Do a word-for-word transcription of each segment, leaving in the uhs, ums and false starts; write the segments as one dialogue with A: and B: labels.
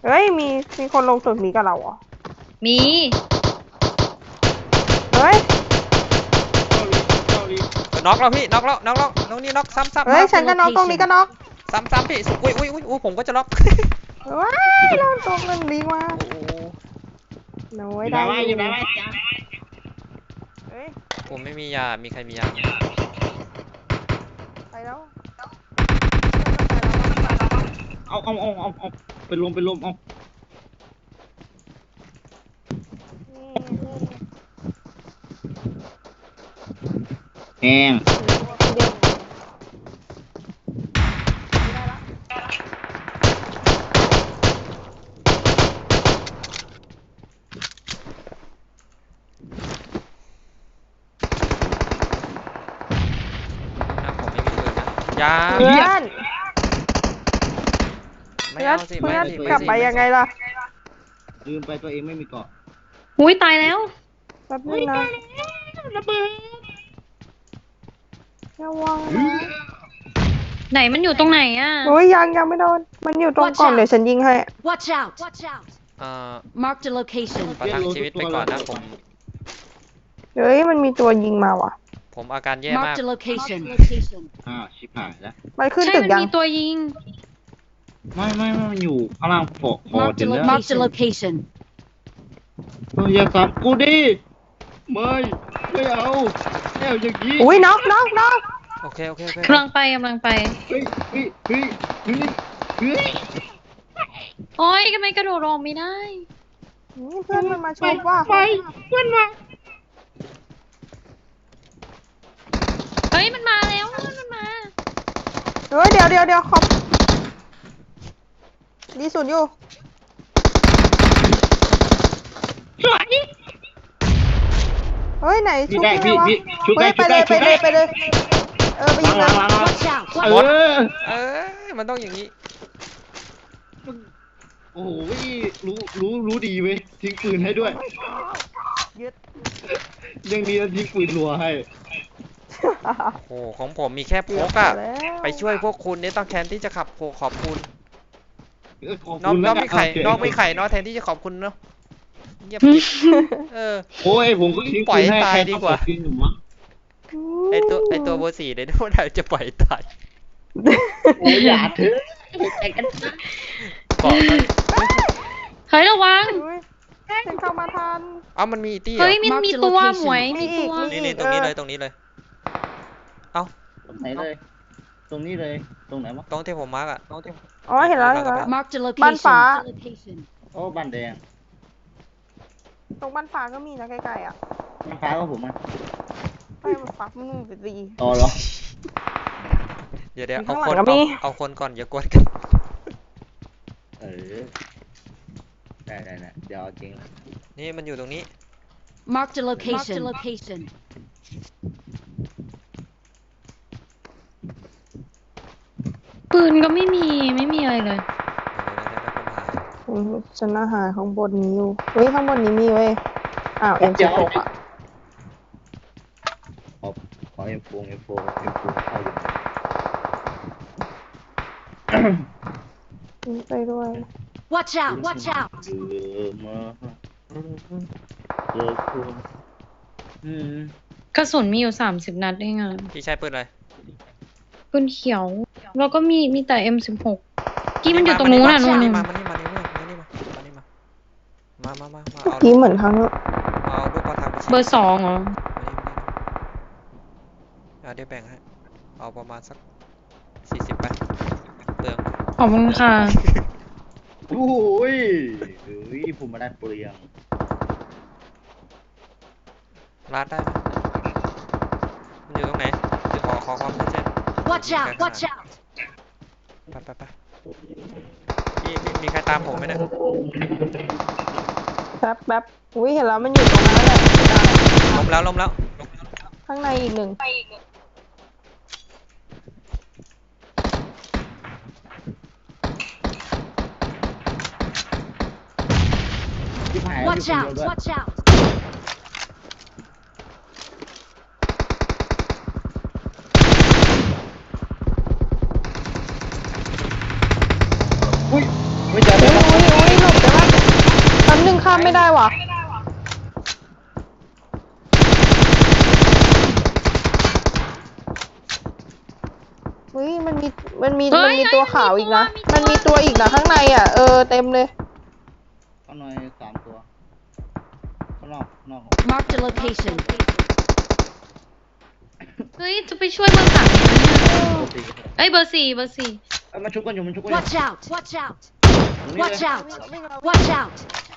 A: เฮ้ยมีมีคนลงตึกนี้กับเราเหรอ
B: มี
A: เฮ้ย
C: น็อกแล้วพี่น็อกแล้วน็อกแล้วน้องนี่น็อกซ้ำซ้ำ
A: เฮ้ยฉันก็น็อกตรงนี้ก็น็อก
C: ซ้ำซ้ำพี่อุ้ยอุ้ยอุ้ยอุ้ยผมก็จะน็อก
A: ว้ายเราตรงนั้นดีมากโน้ยได้อยู่ได้เฮ้ย
C: ผมไม่มียามีใครมียา
A: ไปแล้ว
D: เอาเอาเอาเอาเอาไปลมไปลมเอาแห้ง
C: ยา
A: เพื่อน
C: ไม่เอาสิไม่เอาสิ
A: กลับไปยังไงล่ะ
D: ลืมไปตัวเองไม่มีเกาะ
B: อุ้ยตายแล้ว
A: แป๊บนึงนะ
D: ระเบิด
A: ระวัง
B: ไหนมันอยู่ตรงไหนอ่ะ
A: โอ้ยยังยังไม่โดนมันอยู่ตรงกล่องเดี๋ยวฉันยิงให้
E: Watch out Watch out
C: เอ่อ
E: Mark the location
C: ประทังชีวิตไปก่อนนะผม
A: เฮ้ยมันมีตัวยิงมาว่ะ
C: ผมอาการแย่มาก
E: Mark the location
D: อ่าชิบหายแล้ว
A: มันขึ้น
B: ใช่
A: ตึก
B: มัน
A: ยัง
B: มีตัวยิง
D: ไม่ไม่ไม่มันอยู่ข้างล่างพอพอ
E: Mark
D: เต็
E: the
D: มแล้ว
E: Mark the location
D: เอออย่าสับกูดิไม่ไม่เอาไม่เอาอย่างนี้
A: อุ้ยน็อกน็อกน็อก
C: โอเคโอเคโอเค
B: กำลังไปกำลังไป
D: เฮ้ยเฮ้ยเฮ้ยเฮ้ยเฮ้ย
B: โอ้ยทำไมกระโดดลงไม่ได้
A: เพื่อนมันมาชมว่า
D: ไปเพื่อนมา
B: เฮ้ยมันมาแล้วมันมา
A: เฮ้ยเดี๋ยวเดี๋ยวเดี๋ยวขอบดีสุดอยู่
D: สวย
A: เฮ้ยไหนชุบไงวะ
D: เฮ้ย
A: ไปเลยไปเลยไปเลยเออไปยิงเลย
E: Watch out
D: เออ
C: เออมันต้องอย่างนี้
D: โอ้โหรู้รู้รู้ดีเว้ยทิ้งปืนให้ด้วยยังดีนะทิ้งปืนรัวให้
C: โอ้ของผมมีแค่พกอะไปช่วยพวกคุณเนี่ยต้องแทนที่จะขับโผขอบคุณน้องน้องไม่ไข่น้องไม่ไข่น้องแทนที่จะขอบคุณเนาะเงียบปิดเออ
D: โอ้ยผมก็ทิ้งปืนให้ใครดีกว่า
C: ไอตัวไอตัวเบอร์สี่เลยนะว่าเราจะปล่อยตาย
D: โอ้ยอย่าเถอะ
C: เกาะ
B: เฮ้ยระวัง
A: ฉันเข้ามาทัน
C: เอ้ามันมีตี้เหรอ
B: เฮ้ยมันมีตัวหมวยมีตัว
C: นี่นี่ตรงนี้เลยตรงนี้เลยเอ้า
D: ตรงไหนเลยตรงนี้เลยตรงไหนวะ
C: ตรงที่ผมมาร์กอะ
A: อ๋อเห็นแล้วเห็นแล้ว
E: Mark the location
A: บ้านฟ้า
D: โอ้บ้านแดง
A: ตรงบ้านฟ้าก็มีนะใกล้ๆอ่ะ
D: บ้านฟ้าก็ผมอ่ะ
A: ไปมันฟ้ามึงไปตี
D: ต่อเหรอ
C: เดี๋ยวเดี๋ยวเอาคนเอาคนก่อนอย่ากดกัน
D: เออได้ได้ได้เดี๋ยวเอาจริง
C: นี่มันอยู่ตรงนี้
E: Mark the location Mark the location
B: ปืนก็ไม่มีไม่มีอะไรเลย
A: ฉันอาหารข้างบนนี้อยู่เฮ้ยข้างบนนี้มีเว้ยอ้าวเอ็มสิบหกอ่ะ
D: ขอขอเอ็มโฟเอ็มโฟเอ็มโฟเข้าอยู่
A: ไปด้วย
E: Watch out Watch out
B: กระสุนมีอยู่สามสิบนัดเองอ่ะ
C: พี่ใช้ปืนอะไร
B: ปืนเขียวแล้วก็มีมีแต่ เอ็มสิบหก กี้มันอยู่ตรงนู้นน่ะนู่น
C: มามานี่มานี่มานี่มามานี่มามามามามาเอา
A: กี้เหมือนครั้ง
C: เอาลูกกระถาง
B: เบอร์สองเหรอ
C: เอาเดี๋ยวแบ่งให้เอาประมาณสักสี่สิบไปเปลือง
B: ขอบคุณค่ะ
D: โอ้ยเฮ้ยผมมาได้เปลือง
C: ลาดได้ไหมมันอยู่ตรงไหนขอขอความชัดเจน
E: Watch out Watch out
C: ไปไปไปมีมีมีใครตามผมไหมเนี่ย
A: แป๊บแป๊บอุ้ยเห็นแล้วมันอยู่ตรงนั้นแหละ
C: ล้มแล้วล้มแล้ว
A: ข้างในอีกหนึ่ง
E: Watch out Watch out
D: อุ้ยไม่เจอเลย
A: ได้ว่ะเฮ้ยมันมีมันมี
B: เฮ้
A: มัน
B: ย
A: มีตัวขาวอีกนะ
B: มีตัว
A: มันมีตัวอีกนะข้างในอ่ะเออเต็มเลย
D: ข้างในสามตัวข้างนอกข้างนอก
E: Marked a location.
B: เฮ้ยจะไปช่วยเบอร์สามยังไงเนี่ย
D: โอเค
B: เอ้ยเบอร์สี่เบอร์สี่
D: เอ้ยมันชุบกันอยู่มันชุบกันอยู่
E: Watch out! Watch out!
D: ตรงนี้
E: Watch
D: เลย
E: out! Watch out!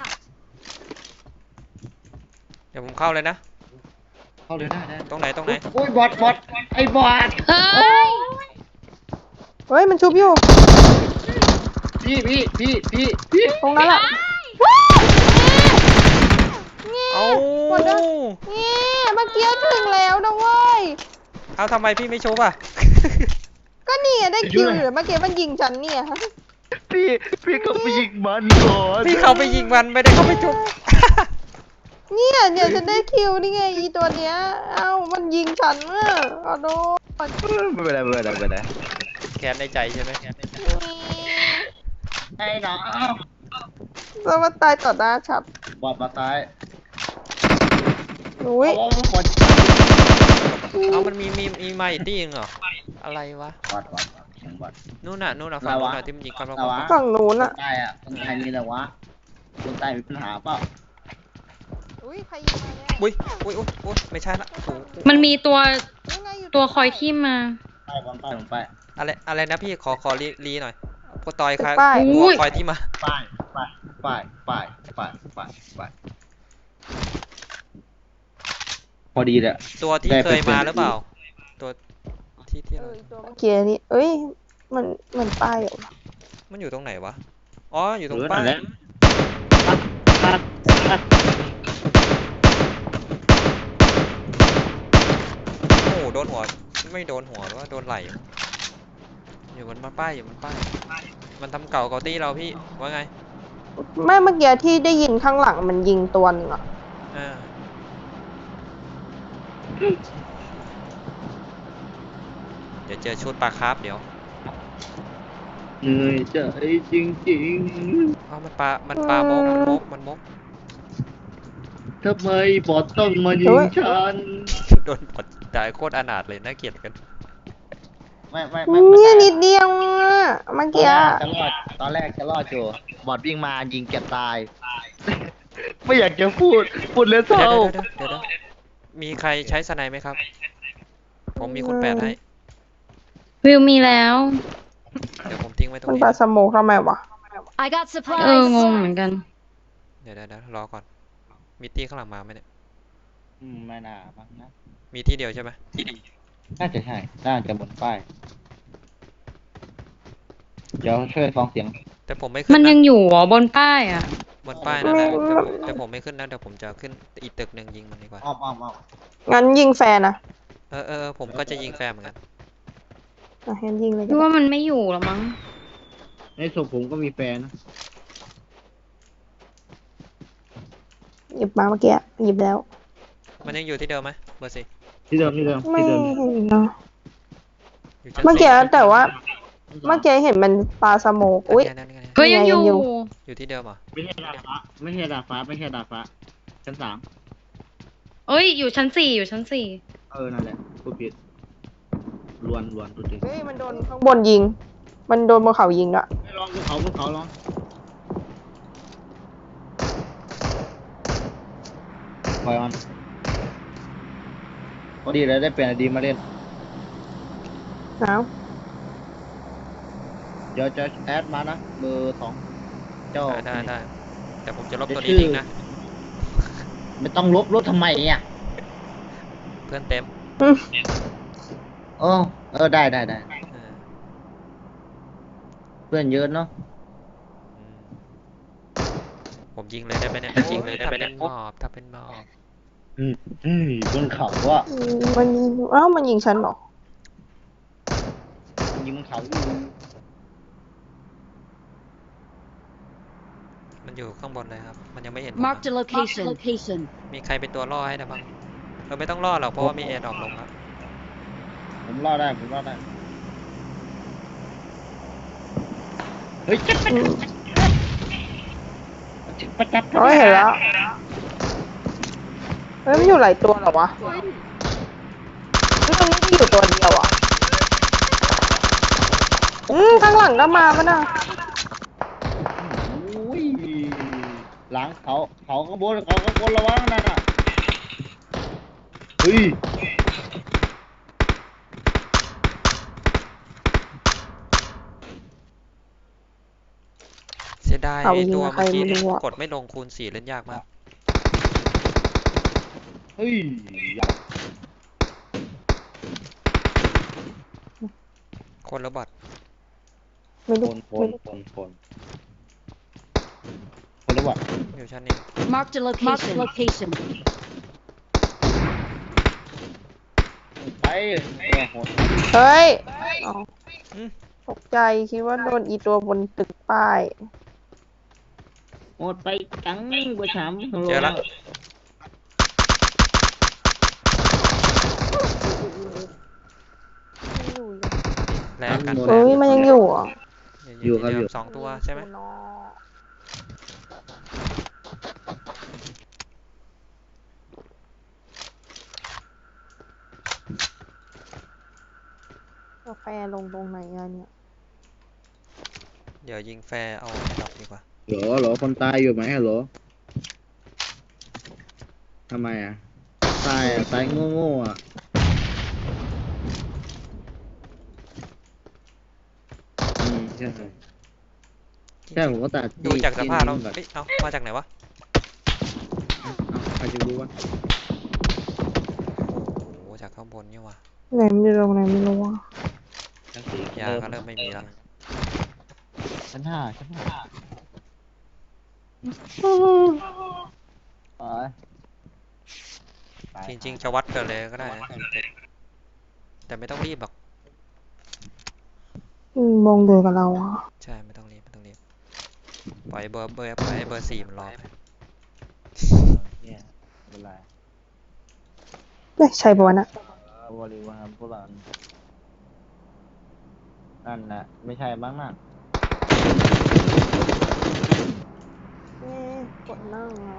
C: เดี๋ยวผมเข้าเลยนะ
D: เข้าเลยได้ได้
C: ตรงไหนตรงไหน
D: โอ้ยบอทบอทไอ้บอท
B: เฮ้ย
A: เฮ้ยมันชุบอยู่
D: พี่พี่พี่พี่พี่
A: ตรงนั้นแหละ
C: เอา
A: หมดแล้วนี่เมื่อกี้ถึงแล้วนะเว้ย
C: เอาทำไมพี่ไม่ชุบอ่ะ
A: ก็นี่ไงได้คิวอยู่เมื่อกี้มันยิงฉันเนี่ย
D: พี่พี่ก็ไปยิงมันก่อน
C: พี่เขาไปยิงมันไม่ได้เขาไปชุบ
A: เนี่ยเนี่ยฉันได้คิวนี่ไงอีตัวเนี้ยเอ้ามันยิงฉันอ่ะขอโทษ
D: ไม่เป็นไรไม่เป็นไรไม่เป็นไร
C: แค้นในใจใช่ไหม
D: ไอ้น้อง
A: จะมาตายต่อหน้าฉัน
D: บอทมาซ้าย
A: อุ้ย
D: โอ้บอท
C: เอามันมีมีมีมาอีกที่นึงเหรออะไรวะ
D: บอทบอทบอทเสียงบอท
C: นู่นน่ะนู่นน่ะฝั่งนู้นน่ะที่มันยิงกัน
D: อะไรวะ
A: ฝั่งนู้นอ่ะ
D: คนใต้อะคนไทยมีอะไรวะคนใต้มีปัญหาเปล่า
A: อุ้ยใครยิงมาเนี่ย
C: อุ้ยอุ้ยอุ้ยอุ้ยไม่ใช่ละโอ้โห
B: มันมีตัว
A: ยังไงอยู่
B: ตัวคอยทิ่มมา
D: ใต้บอลใต้ผมไป
C: อะไรอะไรนะพี่ขอขอรีรีหน่อยพอต่อยใคร
A: ป้าย
C: หัวคอยที่มา
D: ป้ายป้ายป้ายป้ายป้ายป้ายป้ายพอดีเลย
C: ตัวที่
D: ได้
C: เค
D: ไป
C: ยมา
D: เป็น
C: หรือเปล่า ตัวที่ที่
A: เอ
C: เรา
A: ออีตัวเมื่อกี้นี่เอ้ยมันมันป้ายเหรอ
C: มันอยู่ตรงไหนวะอ๋ออยู่ตรง
D: เออ
C: ป้า
D: นั่
C: ย
D: นแหละตัดตัด
C: โอ้โหโดนหัวไม่โดนหัวหรือว่าโดนไหล่อยู่บนป้ายอยู่บนป้ายมันทำเก่าเกาตี้เราพี่ว่าไง
A: ไม่เมื่อกี้ที่ได้ยินข้างหลังมันยิงตัวหนึงอ่ะ
C: อ่าเดี๋ยวเจอชุดปลาคาร์ฟเดี๋ยว
D: เหนื่อยใจจริง
C: เอามันปลามันปลามกมันมกมันมก
D: ๆทำไมบอทต้องมายิงฉัน
C: โดนบอดตายโคตรอนาถเลยน่าเกลียดกัน
D: ไม่ไม่ไม่
A: เนี่ยนิดเดียวอ่ะเมื่อ
D: ตอน
A: กี้
D: แร
A: อะ
D: กจะรอดตอนแรกจะรอดอยู่บอทวิ่งมายิงแกตาย ไม่อยากจะพูดพูดเลยเศ
C: เดี๋ย
D: ร้าว
C: เดี๋ยวเดี๋ยวเดี๋ยวมีใครใช้สไนไหมครับ ผมมีคุณแปดให้
B: วิวมีแล้ว
C: เดี๋ยวผมทิ้งไว้ตรง
A: มัน
C: นี้
A: ปาสโมกทำไมวะ
E: I got
B: เออง
E: supplies.
B: งเหมือนกัน
C: เดี๋ยวเดี๋ยวเดี๋ยวรอก่อน มีตีข้างหลังมาไหมเนี่ย
D: อืมไม่น่ามั้งนะ
C: มีที่เดียวใช่ไหม
D: น่าจะใช่น่าจะบนป้ายเดี๋ยวช่วยฟังเสียง
C: แต่ผมไม่ขึ้
B: มัน
C: น
B: ยั
C: นะ
B: งอยู่เหรอบนป้ายอ่ะ
C: บนป้ายนั่นแหละแต่ผมแต่ผมไม่ขึ้นนะเดี๋ยวผมจะขึ้นอีกตึกหนึ่งยิงมันดีกว่า
D: อ้อมอ้อมอ้อม
A: งั้นยิงแฟนนะ
C: เออเออเออผมก็จะยิงแฟร์เหมือนกัน
A: อ่ะงั้นยิงเลย
B: พี่ว่ามันไม่อยู่หรอมั้ง
D: ในศพผมก็มีแฟนนะ
A: หยิบมาเมื่อกี้หยิบแล้ว
C: มันยังอยู่ที่เดิมไหมเบอร์สี่
D: ที่เดิมที่เดิม
A: ไม่
D: ที่เดิม
A: เห็นเนาะ
C: อยู่ชั้น
A: เมื่อกี้
C: สี่
A: แต่ว่า เมื่อกี้เห็นมันปลาสโมกอุ้ย
C: นั่นไงนั่นไง
B: ก็ยังอยู่
A: ยังอยู่
C: อยู่ที่เดิมเหรอ
D: ไม่ใช่ดาดฟ้าไม่ใช่ดาดฟ้าไม่ใช่ดาดฟ้าชั้นสาม
B: เอ้ยอยู่ชั้นสี่อยู่ชั้นสี่
D: เออนั่นแหละพูดผิดลวนลวนตัวจริง
A: เฮ้ยมันโดนข้างบนยิง มันโดนบนเขายิงด้วย
D: ไม่ลองภูเขาภูเขาลองปล่อยมันพอดีเลยได้เปลี่ยนไอดีมาเล่น
A: หนาว
D: เดี๋ยวจะแอดมานะเบอร์สองเจ้า
C: ได้ได้ได้แต่ผมจะลบตัว
D: เดี๋ยวชื่อ
C: นี้ทิ้งนะ
D: ไม่ต้องลบลบทำไมอ่ะ
C: เพื่อนเต็ม
A: อืม
D: เออเออได้ได้ได้
C: เออ
D: เพื่อนเยอะเนาะ
C: อืมผมยิงเลยได้ไหมเนี่ยยิงเลยได้ไหมเนี่ยหมอบถ้าเป็นหมอบ
D: อืมอืมบนเขาว่า
A: อืมมันยิงอ้าวมันยิงฉันเหรอ
D: มันยิงบนเขาอยู่
C: มันอยู่ข้างบนเลยครับ มันยังไม่เห็นผมอะ
E: Marked a location. Location.
C: มีใครเป็นตัวล่อให้ได้บ้างเราไม่ต้องล่อหรอกเพราะว่ามีแอร์ดรอปลงแล้ว
D: ผมรอดได้ผมรอดได้เฮ้ย
A: อืม
D: ประจัด
A: เฮ้ยเห็นแล้วเฮ้ยมันอยู่หลายตัวเหรอวะเฮ้ยตรงนี้ที่อยู่ตัวเดียวอ่ะอืมข้างหลังก็มาปะน่ะ
D: อุ้ยหลังเขาเขาข้างบนเขาข้างบนระวังนั่นน่ะเฮ้ย
C: เสียดาย
A: เขา
C: ไอ้
A: ยิง
C: ตัว
A: กับใคร
C: เมื่อกี้
A: ไม่
C: เนี่ย
A: รู้อะ
C: กดไม่ลงคูณสี่เล่นยากมาก
D: เฮ้ย
C: คนละบอท
A: ไม่
D: ค
A: รู้
D: นคนคนคนคนรู้ว่า
C: อยู่ชั้นนี้
E: Marked a location. Marked a location.
D: ไปโอ้โห
A: เฮ้ยอ๋อ
C: อืม
A: ตกใจคิดว่าโดนอีตัวบนตึกป้าย
D: หมดไปจังกว่าสาม
C: เจอละ แรงกัน
A: เฮ้ยมันยังอยู่เหรอ่ะ
C: อยู่ครับอยู่สองตัวใช่ไหม
A: กาแฟลงตรงไหนอะเนี่ย
C: เดี๋ยวยิงแฟร์เอาแอดดอปดีกว่า
D: หรอหรอคนตายอยู่ไหมหรอทำไมอ่ะตายอ่ะตายโง่ๆอ่ะอืมใช่ใช่ผมก็ตัด
C: ดูจากสภาพเรา
D: แบบ
C: เอ้ยเอามาจากไหนวะ
D: ใครจะรู้วะ
C: โอ้โหจากข้างบนนี่วะ
A: ไหนไม่รู้ไหนไม่รู้อะ
C: ยาก็เริ่มไม่มีแล้ว
D: ชั้นห้าชั้นห้าไป
C: จริงๆจะวัดกันเลยก็ได้นะแต่ไม่ต้องรีบหรอก
A: อืมมองเดียวกับเราอะ
C: ใช่ไม่ต้องรีบไม่ต้องรีบปล่อยเบอร์เบอร์ปล่อยให้เบอร์สี่มันรอไป
D: เนี่ยเวลา
A: ไม่ใช่ปะวะน่ะ
D: บริวารพวกเรานั่นแหละไม่ใช่บ้างน่ะ
A: เอ๊ะกดนั่งอะ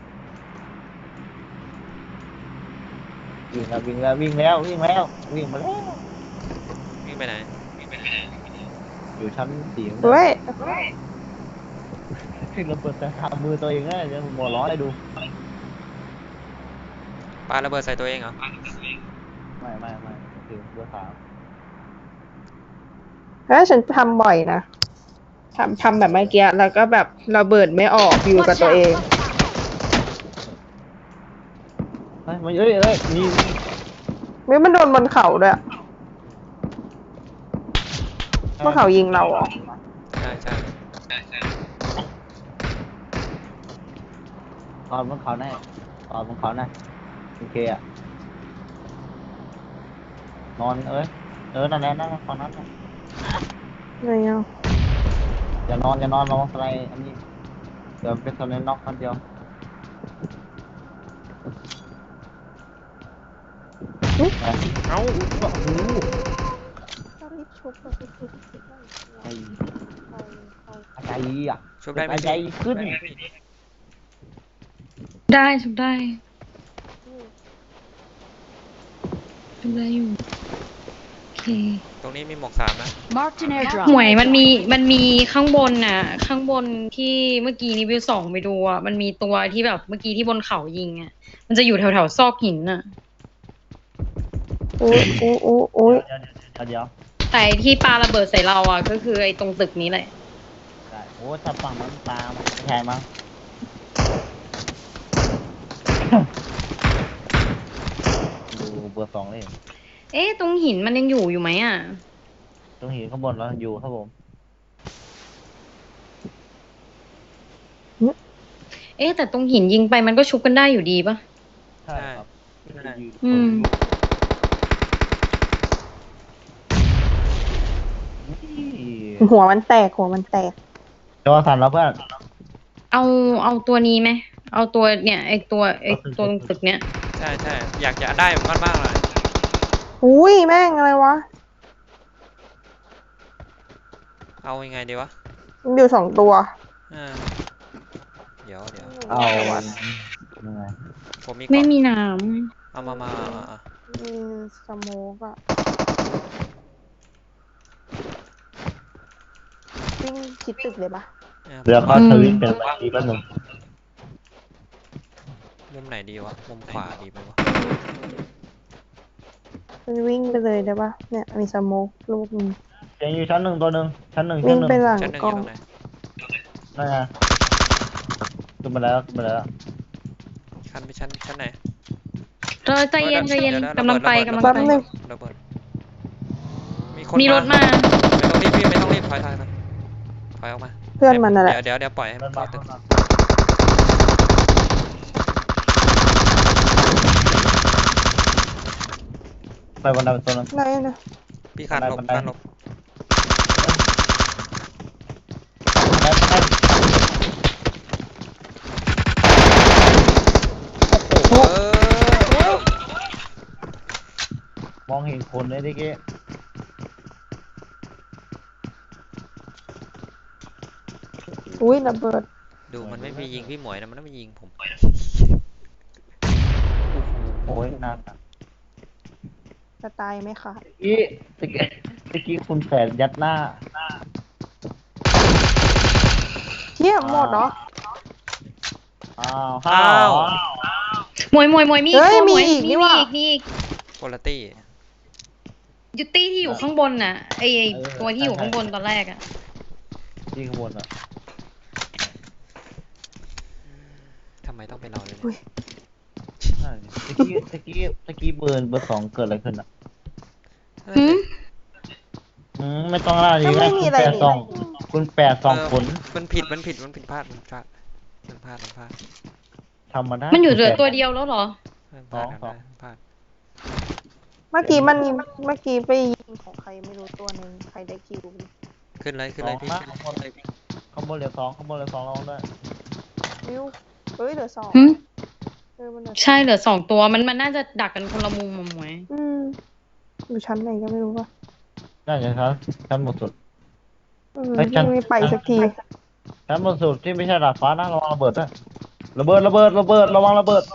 D: วิ่งแล้ววิ่งแล้ววิ่งแล้ววิ่งแล้ววิ่งมาแล้ว
C: วิ่งไปไหน
D: อยู่ชั้นสี่
A: เฮ้ย
D: ขึ้นระเบิดแต่ทำมือตัวเองนะจะหัวร้อนให้ดู
C: ปาระเบิดใส่ตัวเองเหรอ
D: ไม่ไม่ไม่ถึงเบอร์สาม
A: เฮ้ยฉันทำบ่อยนะทำทำแบบเมื่อกี้แล้วก็แบบระเบิดไม่ออกอยู่กับตัวเอง
D: เฮ้ยมันเอ้ยเอ้ยมี
A: ไม่มันโดนบนเขาด้วยบนเขายิงเราเหรอ
C: ใช่ใช่
D: ตอนบนเขาแน่ตอนบนเขาแน่โอเคอะนอนเอ้ยเออนั่นแหละนั่นตอนนั้น
A: ไงอ่ะ
D: อย่านอนอย่านอนลองอะไรอันนี้เดี๋ยวเป็นตัวเล่นน็อกคนเดียวไป
C: เอ้า
D: โอ้โห
A: รีบชุบรีบชุบ
D: ไอ้ใจอ่ะ
C: ชุบได้ไหม
D: ใจขึ้น
B: ได้ชุบได้ชุบได้อยู่โอเค
C: ตรงนี้มีหมวกสามนะ
E: Marked an airdrop.
B: หมวยมันมีมันมีข้างบนน่ะ ข้างบนที่เมื่อกี้นี้วิวสองไปดูอ่ะมันมีตัวที่แบบเมื่อกี้ที่บนเขายิงอ่ะมันจะอยู่แถวแถวๆซอกหินน่ะ
A: อุ้ยอุ้ยอุ้ยอุ้ย
D: เดี๋ยวเดี๋ยวเดี๋ยว
B: แต่ไอ้ที่ปาระเบิดใส่เราอ่ะก็คือไอ้ตรงตึกนี้แหละ
D: ได้โอ้ถ้าฝั่งมันตามมันไม่ใช่มั้งดูเบอร์สองเลย
B: เอ๊ะตรงหินมันยังอยู่อยู่ไหมอ่ะ
D: ตรงหินข้างบนแล้วอยู่ครับผม
B: เอ๊ะแต่ตรงหินยิงไปมันก็ชุบกันได้อยู่ดีปะ
D: ใช่ครับ
B: อืม
A: หัวมันแตกหัวมันแตก
D: จอสั่นแล้วเพื่อน
B: เอาเอาตัวนี้ไหมเอาตัวเนี่ยไอ้ตัวไอ้ตัวตรงตึกเนี้ย
C: ใช่ใช่อยากจะได้เหมือนกันมากเลย
A: อุ้ยแม่งอะไรวะ
C: เอายังไงดีวะ
A: มันอยู่สองตัว
C: อ่าเดี๋ยวเดี๋ยว
D: เอา
A: สวัสด
D: ยังไง
C: ผมมี
B: ไม่
C: เกาะ
B: มีน้
C: เอามามาเอาเอาเอา
A: มีสโมกอะวิ่งชิดตึกเลยปะ
C: เนี่ย
D: เรือเข้าทวิตเป็นว่าอีกแป๊บหนึง
C: มุมไหนดีวะ มุมขวาดีไหมวะ
A: มันวิ่งไปเลยได้ปะเนี่ยมีสโมกลูกหนึง
D: เสียงอยู่ชั้นหนึ่งตัวหนึ่งชั้นหนึ่ง
A: วิ่
D: ชั้
A: ง
D: นหนึ่ง
A: ไปหลัง
C: ชั้นหนึ่ง
A: ก
C: อ
A: ล้อยู่ ง
C: ตรงไหน
D: นั่นไงขึ้นมาแล้วขึ้นมาแล้ว
C: ชั้นไปชั้นชั้นไหน
B: ำเออใจเย็นใจเย็น
C: ดี๋วะ
B: กำลังไป
C: ระ
B: กำลัง
C: เบิด
B: ไป
C: ระเบิดมีคน
B: มีรถมา
C: ไม่ต้องรีบพี่ไม่ต้องรีบถอยถอยถอยถอยออกมา
A: เพื่อนมันน่ะแหละ
C: เดี๋ยวเดี๋ยวเดี๋ยวปล่อยให้
D: เดิ
C: มัน
D: น
C: เข้า
D: มา
C: ตึ
D: เดิ
C: ก
D: นมาไปวันนั้นตัวนึง
A: ไหนนะ
C: พี่คานหลบ
D: บันได
C: คานหลบ
D: ไปไป
C: เออ
D: มองเห็นคนเลยทีกี้
A: อุ้ยระเบิด
C: ดูมันไม่มียิงพี่หมวยนะมันไม่ยิงผม
D: โอ้ยนานอะ
A: จะตายไหมคะ
D: อีตะกี้ตะกี้คุณแฝดยัดหน้า
A: เที่ยหมดเหรอ
D: อ้าว
C: อ้าว
B: มวยมวยมวยมี
A: เฮ้ย
B: ตัวห
A: มี
B: วย
A: อีกนี่
B: มี
A: ว่ะ
B: อีกมีอีก
C: โคลตี้
B: ยูตี้ที่อยู่ข้างบนน่ะไอไอ้ตัวที่อยู่ข้างบนตอนแรกอ่ะ
D: ที่ข้างบนอ่ะ
C: ทำไมต้องเป็นเราเลย
A: อุ๊
C: เนี่ย
A: ย
D: ใช่ตะกี้ตะกี้ตะกี้เบอร์เบอร์สองเกิดอะไรขึ้นอ่ะ
C: เฮ้ย
B: หืม
D: อืมไม่ต้องล่าดี
A: ก็
D: ไหม
A: ไม่มี
D: คุณ
A: อะไร
D: แปด
A: นี่
D: สองคุณแปดสอง
C: เ
D: ผล
C: มันผิดมันผิดมันผิดพลาดมันพลาดมันพลาดมันพลาด
D: ทำมาได้
B: มันอยู่เหลือ
D: คุณแปด
B: ตัวเดียวแล้วเหรอ
C: มันพลาด
D: สอง
C: มันพลาด
A: เมื่อกี้มันเมื่อกี้ไปยิงของใครไม่รู้ตัวหนึ่งใครได้คิว
C: ขึ้นเลยขึ้นเลยพี่
D: สองนะข้างบนเลยข้างบนเหลือสองข้างบนเหลือสองลองด้วย
A: วิวเฮ้ยเหลือสอง
B: หืม
A: เออมันเหลือ
B: ใช่เหลือสองตัวมันมันน่าจะดักกันคนละมุมมาหมวย
A: อืมอยู่ชั้นไหนก็ไม่รู้ว่ะ
D: น่าจะครับชั้นบนสุด
A: เออ
D: ไปชั้น
A: ไม่ไปสักที
D: ชั้นบนสุดที่ไม่ใช่ดาดฟ้านะระวังระเบิดนะระเบิดระเบิดระเบิดระวังระเบิด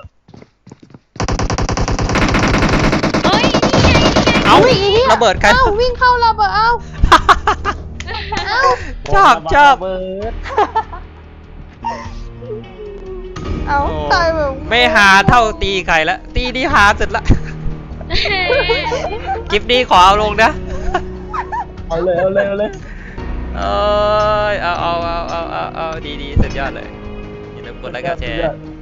B: เฮ้ยนี่ไงนี่ไง
C: เอ้าระเบิดใคร
A: เอ้าวิ่งเข้าระเบิดเอ้าเอ้า
C: ชอบชอบ
D: ระเบิด
A: เอ้า
C: โอ้
A: ตายแบบ
C: ไม่หาเท่าตีไก่ละตีนี่หาสุดละคลิปนี้ขอเอาลงนะ
D: เอาเลยเอาเลยเอาเลย
C: เอ้ยเอาเอาเอาเอาเอาเอาดีดีสุดยอดเลยอย่าลืมกดไลค์กดแชร์